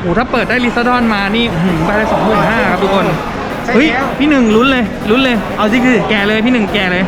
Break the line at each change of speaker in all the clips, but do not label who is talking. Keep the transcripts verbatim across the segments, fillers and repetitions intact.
หถ้าเปิดได้ลิซาดอนมานี่ไปเลยสองหมื่นห้าครับทุกคนเฮ้ยพี่หนึ่งลุ้นเลยลุ้นเลยเอาสิคือแกเลยพี่หนึ่งแกเลย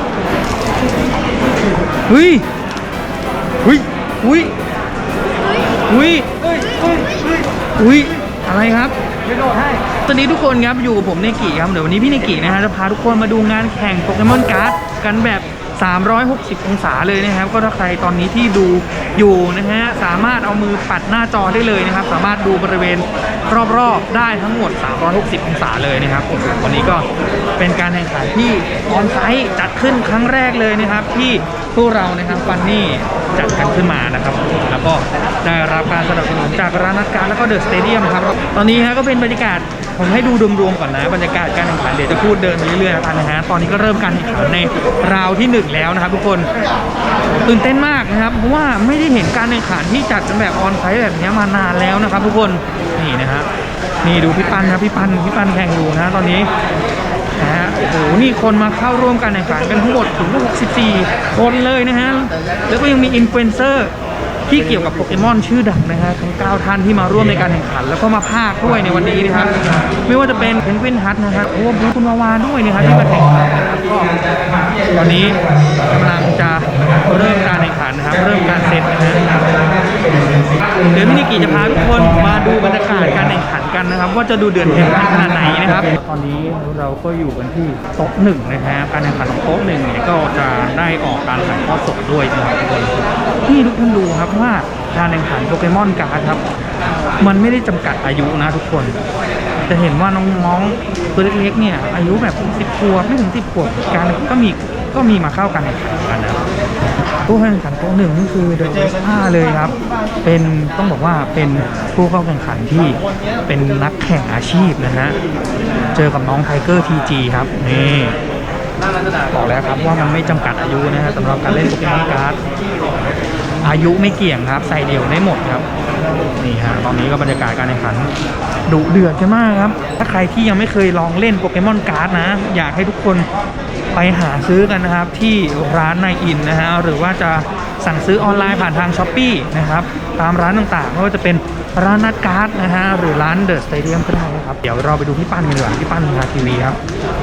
เฮ้ยเฮ้ยอุ้ยอุ้ยอุ้ยอะไรครับไม่โดดให้ตอนนี้ทุกคนครับอยู่กับผมเนกิครับเดี๋ยววันนี้พี่เนกินะฮะจะพาทุกคนมาดูงานแข่งโปเกมอนการ์ดกันแบบสามร้อยหกสิบองศาเลยนะครับก็ถ้าใครตอนนี้ที่ดูอยู่นะฮะสามารถเอามือปัดหน้าจอได้เลยนะครับสามารถดูบริเวณรอบๆได้ทั้งหมดสามร้อยหกสิบองศาเลยนะครับวันนี้ก็เป็นการแข่งขันที่ออนไซต์จัดขึ้นครั้งแรกเลยนะครับที่พวกเรานะครับฟันนี่จัดกันขึ้นมานะครับแล้วก็ได้รับการสนับสนุนจากร้านนัดการแล้วก็เดอะสเตเดียมครับตอนนี้ฮะก็เป็นบรรยากาศผมให้ดูรวมๆก่อนนะบรรยากาศการแข่งขันเดี๋ยวจะพูดเดินไปเรื่อยๆนะฮะตอนนี้ก็เริ่มการแข่งขันในราวที่หนึ่งแล้วนะครับทุกคนตื่นเต้นมากนะครับเพราะว่าไม่ได้เห็นการแข่งขันที่จัดกันแบบออนไซต์แบบนี้มานานแล้วนะครับทุกคนนี่นะฮะนี่ดูพี่ปันนะพี่ปันพี่ปันแข่งอยู่นะตอนนี้นะฮะโอ้โหนี่คนมาเข้าร่วมการแข่งขันกันทั้งหมดถึงหกสิบสี่คนเลยนะฮะแล้วก็ยังมีอินฟลูเอนเซอร์ที่เกี่ยวกับโปเกมอนชื่อดังนะฮะทั้งเก้าท่านที่มาร่วมในการแข่งขันแล้วก็มาพากย์ด้วยในวันนี้นะครับไม่ว่าจะเป็นเพนกวินฮัทนะครับโอ้บูคุณวาวาด้วยนะครับที่มาแข่งขันนะครับก็ตอนนี้กำลังจะเริ่มการแข่งขันนะครับเริ่มการเซตนะฮะเดี๋ยวพี่นิกิจะพาทุกคนมาดูบรรยากาศการแข่งขันกันนะครับว่าจะดูเดือดเดือดขนาดไหนนะครับตอนนี้เราก็อยู่กันที่โต๊ะหนึ่งนะฮะการแข่งขันของโต๊ะหนึ่งเนี่ยก็จะได้ออกการถ่ายทอดสดด้วยนะครับทุกคนที่ทุกท่านดูครับว่าการแข่งขันโปเกมอนการ์ดครับมันไม่ได้จำกัดอายุนะทุกคนจะเห็นว่าน้องๆตัวเล็กๆเนี่ยอายุแบบสิบขวบไม่ถึงสิบขวบการก็มีก็มีมาเข้ากันแข่งขันกันนะผู้แข่งขันโต๊ะหนึ่งนี่คือเดอะเอสห้าเลยครับเป็นต้องบอกว่าเป็นผู้เข้าแข่งขันที่เป็นนักแข่งอาชีพนะฮะเจอกับน้องไทเกอร์ทีจีครับนี่บอกแล้วครับว่ามันไม่จำกัดอายุนะฮะสำหรับการเล่นโปเกมอนการ์ดอายุไม่เกี่ยงครับใส่เดี่ยวได้หมดครับนี่ฮะตอนนี้ก็บรรยากาศการแข่งขันดุเดือดกันมากครับถ้าใครที่ยังไม่เคยลองเล่นโปเกมอนการ์ดนะอยากให้ทุกคนไปหาซื้อกันนะครับที่ร้านนายอินนะฮะหรือว่าจะสั่งซื้อออนไลน์ผ่านทางช้อปปี้นะครับตามร้านต่างๆไม่ว่าจะเป็นร้านนัดการ์ดนะฮะหรือร้านเดอะสเตเดียมก็ได้นะครับเดี๋ยวเราไปดูพี่ปั้นกันดีกว่าพี่ปั้นทางทีวีครับ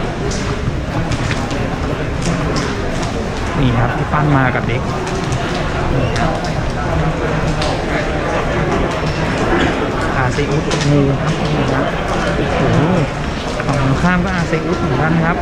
นี่ครับพี่ปั้นมากับเด็กอาเซอุสงูครับนี่ครับโอ้โหฝั่งตรงข้ามก็อาเซอุสเหมือนกันครับ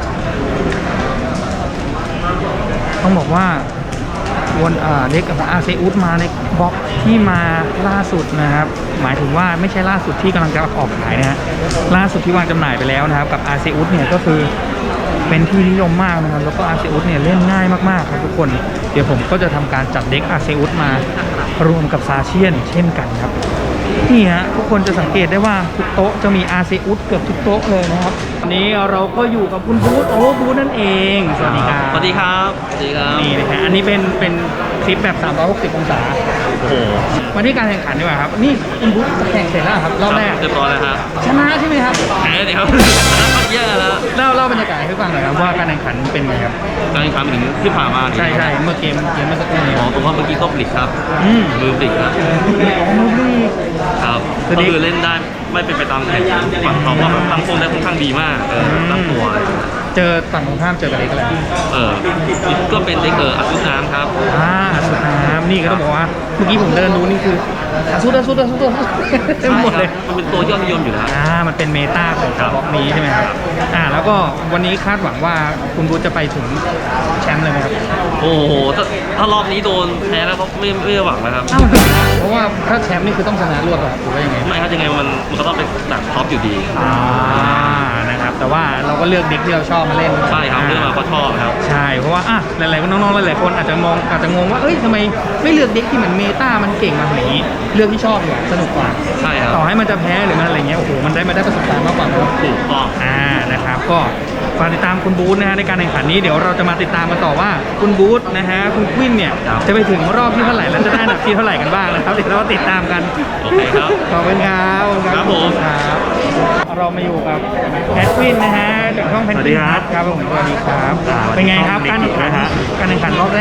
ต้องบอกว่าวนเด็กของอาเซอุสมาในบล็อกที่มาล่าสุดนะครับหมายถึงว่าไม่ใช่ล่าสุดที่กำลังจะออกขายนะฮะล่าสุดที่วางจำหน่ายไปแล้วนะครับกับอาเซอุสเนี่ยก็คือเป็นที่นิยมมากนะครับแล้วก็อาเซอุสเนี่ยเล่นง่ายมากๆครับทุกคนเดี๋ยวผมก็จะทำการจัดเด็กอาเซอุสมารวมกับซาเชียนเช่นกันครับนี่ฮะทุกคนจะสังเกตได้ว่าทุกโต๊ะจะมีอาเซอุสเกือบทุกโต๊ะเลยนะครับวันนี้เราก็อยู่กับคุณบูธโอ้บูธนั่นเองสวัสดีครับ
สวัสดีครับสวัสดีครับ
นี่นะฮะอันนี้เป็นเป็นคลิปแบบสามร้อยหกสิบองศา
โอ้โห
มาที่การแข่งขันดีกว่าครับนี่คุณบูธแข่งเสร็จแล้วครับรอบแรก
เรียบร้อยแล้วครับ
ชนะใช่ไหมครับ
แพ้ดิครับเยอะแล้ว
เล่าเล่าบรรยากาศให้ฟังหน่อยครับว่าการแข่งขันเป็นไงครับ
การแข่งขันถึงที่ผ่านมา
ใช่ใช่เมื่อเกมเกมเมื่อสักครู่นี้
อ๋อผมว่าเมื่อกี้ก็บลิกครับมือบลิกครับ
มือบลิก
ครับก็คือเล่นได้ไม่เป็นไปตามแผนฝั่งเขาว่าตั้งโซนได้ค่อนข้างดีมากเออตั้งตัว
เจอฝั่งตรงข้ามเจอกับเด็กอะไร
เออก็เป็นเด็กเอออาซุน้ำครับ
อ่าอาซุน้ำนี่ก็ต้องบอกว่าเมื่อกี้ผมเดินดูนี่คืออาซุอาซุอาซุอาซุเต็มหมดเลย
มันเป็นตัวยอดนิยมอยู่แล้ว
อ่ามันเป็นเมตาของบล็อกนี้ใช่ไหมครับอ่าแล้วก็วันนี้คาดหวังว่าคุณบูธจะไปถึงแชมป์เลยไหมครับ
โอ้โหถ้าถ้ารอบนี้โดนแพ้แล้วก็ไม่ไม่หวังนะครับ
เพราะว่าถ้าแชมป์นี่คือต้องชนะรวดหรอหรือว่ายังไง
ไม่ครับยังไงมันมันก็ต้องเป็นหนักท็อปอยู่ดี
อ่านะครับแต่ว่าเราก็เลือกเด็กที่เราชอบมาเล่น
ใช่ครับเลือกมาเพราะชอบครับ
ใช่เพราะว่าอ่ะหลายๆน้องๆหลายๆคนอาจจะมองอาจจะงงว่าเอ้ยทำไมไม่เลือกเด็กที่เหมือนเมตามันเก่งมาแบบนี้เลือกที่ชอบอยู่สนุกกว่า
ใช่ครับ
ต่อให้มันจะแพ้หรือมันอะไรเงี้ยโอ้โหมันได้มาได้ประสบการณ์มากกว่า
ถูกต้อง
อ่านะครับก็ฝากติดตามคุณบูธนะฮะในการแข่งขันนี้เดี๋ยวเราจะมาติดตามกันต่อว่าคุณบูธนะฮะคุณควินเนี่ยจะไปถึงรอบที่เท่าไหร่แล้วจะได้อันดับที่เท่าไหร่กันบ้างนะครับเดี๋ยวเราติดตามกัน
โอเคครับ
ขอบคุณครับ
ครับผม
ครับเรามาอยู่กับแคทควินนะฮะจากช่องเพนกวินครับผมสวัสดีครับเป็นไงครับการแข่งขันการแข่งขันรอบแรก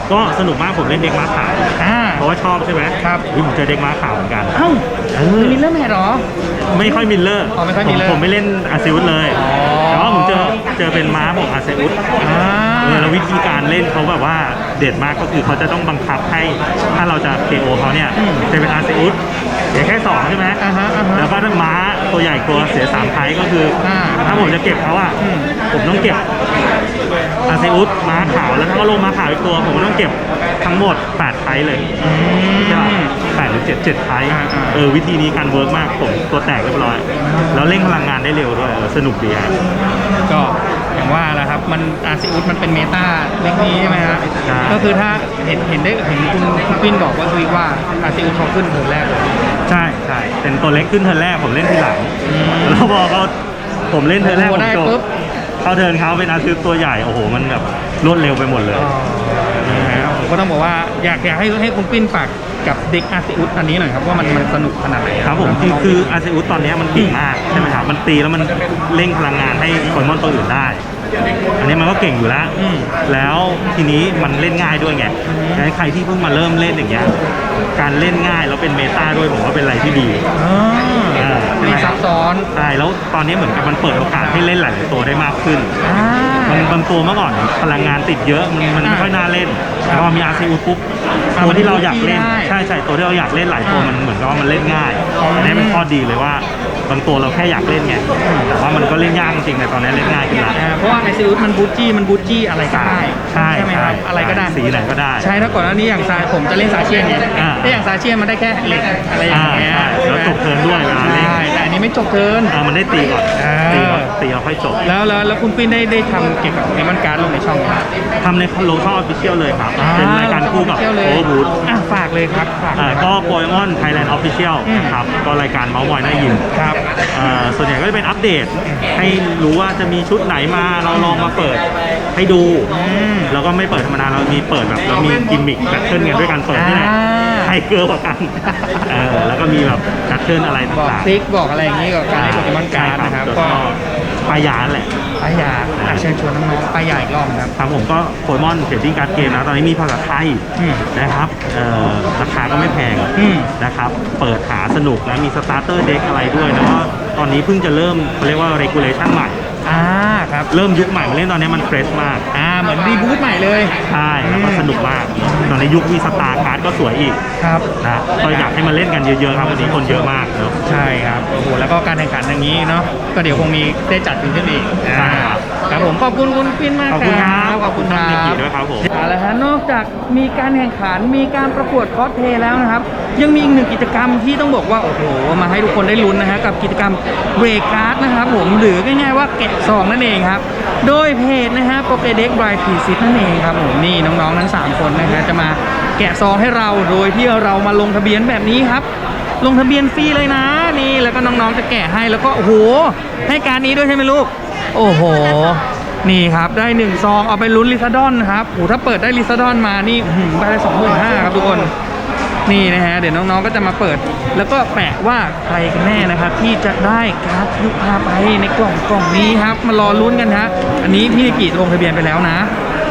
ก็สนุกมากผมเล่นเด็กม้าขาว
อ่า
เพราะว่าชอบใช่ไหม
ครับ
อุ๊ยผมเจอเด็กม้าขาวเหมือนกัน
เอ้า
เออ
มิลเลอร์แมทเหรอ
ไม่ค่อยมิลเลอร์
อ๋อไม่ค่อย
ผ
มิลเลอร์
ผมไม่เล่นอาซิอุสเลย
อ๋อ
แต่ว่าผมเจอเจอเป็นม้าของอาซิอุส
อ่า
เออแล้ววิธีการเล่นเขาแบบว่าเด็ดมากก็คือเขาจะต้องบังคับให้ถ้าเราจะ เค โอ เขาเนี่ยจะเป็นอาซิอุสเสียแค่สองใช่ไหม
อ่าฮะอ่าฮะ
แล้วก็ถ้าม้าตัวใหญ่กลัวเสียสามไทยก็คืออา ถ้าผมจะเก็บเขาอ่ะ
อืม
ผมต้องเก็บอาซิอุสม้าขาวแล้วถ้าก็ลงม้าขาวอีกตัวผมก็ต้องเก็บทั้งหมดแปดไทยเลยใช่ป่ะแปดหรือเจ็ดเจ็ดไทย
อ่าอ่า
เออวิธีนี้การเวิร์กมากผมตัวแตกเรียบร้อยแล้วเร่งพลังงานได้เร็วด้วยเออสนุกดีฮะ
ก็อย่างว่าแหละครับมันอาซิอุสมันเป็นเมตาเล็กนี้ใช่ไหมฮะ
ใช่
ก็คือถ้าเห็นเห็นได้เห็นคุณคุณปิ้นบอกว่าคือว่าอาซิอุสเขาขึ้นเทิร์นแรกเลย
ใช่ใช่เป็นตัวเล็กขึ้นเทิร์นแรกผมเล่นทีหลัง
อืม
แล้วพอเขาผมเล่นเทิร์นแรก
โอ้
ผม
ได้
จบ
ปุ๊บ
เข้าเทิร์นเขาเป็นอาซิสตัวใหญ่โอ้โหมันแบบรวดเร็วไปหมดเลย
อ๋อนะฮะผมก็ต้องบอกว่าอยากอยากให้ให้คุณปิ้นฝากกับเด็กอาซิอุสอันนี้หน่อยครับว่ามันมันสนุกขนาดไหน
ครับผมคือคืออาซิอุสตอนนี้มันเก่งมากใช่ไหมครับมันตีแล้วมันเร่งพลังงานให้โปเกมอนตัวอื่นได้ อันนี้มันก็เก่งอยู่แล้ว
อืม
แล้วทีนี้มันเล่นง่ายด้วยไงดังนั้นใครที่เพิ่งมาเริ่มเล่นอย่างเงี้ยการเล่นง่ายแล้วเป็นเมตาด้วยผมว่าเป็นอะไรที่ดี
อ๋อ
เออใช่ไหม
ไม่ซับซ้อน
ใช่แล้วตอนนี้เหมือนกับมันเปิดโอกาสให้เล่นหลายๆตัวได้มากขึ้น
อ่า
มันบางตัวเมื่อก่อนพลังงานติดเยอะมันมันไม่ค่อยน่าเล่น
ครับ
แต่พอมีอาซีอุปุ๊บ
อ่า
ตัวที่เราอยากเล่น
มันได้
ใช่ใช่ตัวที่เราอยากเล่นหลายตัว
อ่ามั
มันเหมือนกับว่ามันเล่นง่าย
อืม
อันนี้เป็นข้อดีเลยว่าบางตัวเราแค่อยากเล่นไงแต่ว่ามันก็เล่นยากจริงๆในตอนนี้เล่นง่ายขึ้นแล้ว
อ่าเพราะว่าอาซิอุสมันบูทจี้มันบูทจี้อะไรก็ได้
ใช่
ไหมครับอะไรก็ได้
สีไหนก็ได้
ใช่ถ้าก่อนหน้านี้อย่างซาผมจะเล่นซาเชียนไง
อ่า
ถ้าอย่างซาเชียนมันได้แค่เหล็กอะไรอย่างเงี้ย
อ่าใช่แล้วจบเทิร์นด้วยเวลาเล่น
ใช่แต่อันนี้ไม่จบเทิร์น
อ่ามันได้ตีก่อน
อ่า
ตีก่อนตีเราค่อยจบ
แล้วแล้วแล้วคุณปิ้นได้ได้ทำเกี่ยวกับเอมอนการ์ดลงในช่องไหมครับ
ทำในโลช่องออฟฟิเชียลเลยครับเป็นรายการคู่กับ
เที่ยวเล
โอย เวอร์บูธ
อ่ะฝากเลยครับฝากเล
อ่าย
ครับ
ก็โปเกมอนไทยแลนด์ออฟฟิเชียล
อืม
ครับก็รายการเมาส์มอยน่ายิน
ครับ
เอ่อส่วนใหญ่ก็จะเป็นอัปเดต ให้รู้ว่าจะมีชุดไหนมาเราลองมาเปิดให้ดู
ม
แล้วก็ไม่เปิดธรรมดาเรามีเปิดแบบเรามีกิมมิคแพทเทิร์นกันด้วยการเปิดนี่แหละ
อ่า
ให้เกิร์กว่ากันเออแล้วก็มีแบบแพทเทิร์นอะไร
บอก
ต่าง
ทริกบอกอะไรอย่างนี้กับการเล่นโปเกมอนการ์ดนะครับ
ก็
ก็
ปลายาแหละ
ป้ายาอ่ะเชิญชวนน้องๆป้ายาอีกรอบครับ
ครับผมก็โปเกมอนเทรดดิ้งการ์ดเกมนะตอนนี้มีภาษาไทย
อืม
นะครับเอ่อราคาก็ไม่แพง
อืม
นะครับเปิดหาสนุกนะมีสตาร์เตอร์เด็กอะไรด้วยแล้วก็ตอนนี้เพิ่งจะเริ่มเขาเรียกว่า regulation ใหม่
อ่าครับ
เริ่มยุคใหม่มาเล่นตอนนี้มันเฟรชมาก
อ่าเหมือนรีบูทใหม่เลย
ใช่แล้วก็สนุกมาก ตอนนี้ยุคมีสตาร์การ์ดก็สวยอีก
ครับ
นะก็อยากให้มาเล่นกันเยอะๆครับวันนี้คนเยอะมากเนอะ
ใช่ครับโอ้โหแล้วก็การแข่งขันอย่างนี้เนาะก็เดี๋ยวคงมีได้จัดขึ้นขึ้นอีก
ใช่ครับ
ครับผมขอบคุณคุณปินมาก
ขอบคุณครับ
ขอบคุณครั
ขอบคุณ
บ
ด้วยครับผม
เอาละฮะนอกจากมีการแข่งขันมีการประกวดคอสเพลย์แล้วนะครับ ยังมีอีกหนึ่งกิจกรรมที่ต้องบอกว่าโอ้โหมาให้ทุกคนได้ลุ้นนะฮะกับกิจกรรมเบรกการ์ดนะครับผมหรือง่ายๆว่าแกะซองนั่นเองครับโดยเพจนะฮะโปเกเด็กบรายพีซิตนั่นเองครับผมนี่น้องๆทั้งสามคนนะฮะจะมาแกะซองให้เราโดยที่เรามาลงทะเบียนแบบนี้ครับ ลงทะเบียนฟรีเลยนะนี่แล้วก็น้องๆจะแกะให้แล้วก็โอ้โหให้การนี้ด้วยใช่ไหมลูกโอ้โหนี่ครับได้หนึ่งซองเอาไปลุ้นลิซาดอนนะครับโอ้โหถ้าเปิดได้ลิซาดอนมานี่อื้อหือได้สองหมื่นห้าครับทุกคนนี่นะฮะเดี๋ยวน้องๆก็จะมาเปิด แล้วก็แปะว่าใครกันแน่นะครับที่จะได้การ์ดยุคพาไปในกล่องกล่องนี้ครับมารอลุ้นกันฮะอันนี้พี่นิกิลงทะเบียนไปแล้วนะ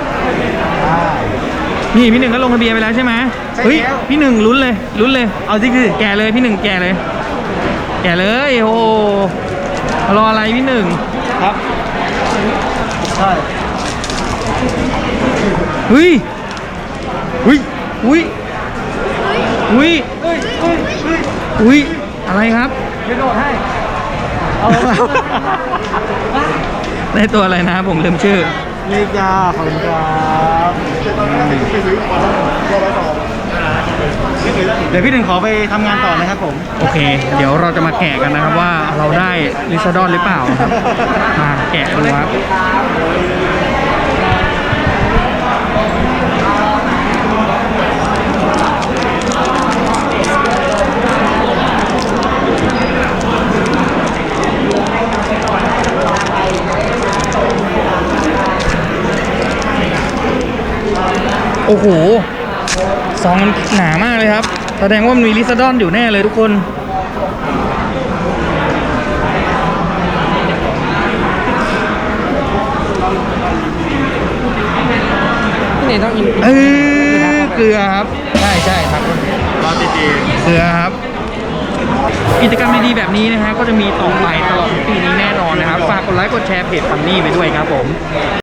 นี่พี่หนึ่งก็ลงทะเบียนไปแล้วใช่ไหมเฮ้ยพี่หนึ่งลุ้นเลยลุ้นเลยเอาสิคือแกะเลยพี่หนึ่งแกะเลย แกะเลยโอ้โหรออะไรพี่หนึ่ง
ครับ ใช่
เฮ้ยเฮ้ยอุ้ยอุ้ย
เฮ้ยเฮ้ยเฮ้ย
อุ้ยอะไรครับ
เดี๋ยวโดดให้
ได้ตัวอะไรนะผมลืมชื่อ
นี่จ้าขอบคุณครับเดี๋ยวพี่หนึ่งขอไปทำงานต่อนะครับผม
โอเค เดี๋ยวเราจะมาแกะกันนะครับว่าเราได้ลิซาดอนหรือเปล่านะครับมาแกะดูครับโอ้โหซองมันหนามากเลยครับแสดงว่ามันมีลิซาดอนอยู่แน่เลยทุกคนพี่เนยต้องอินเอ้รือครับใช่ใช่ครับ
รอจีจี
เรือครับ กิจกรรมดีๆแบบนี้นะฮะก็จะมีต่อไปตลอดปีนี้แน่นอนนะครับฝากกดไลค์กดแชร์เพจฟันนี่ไปด้วยครับผม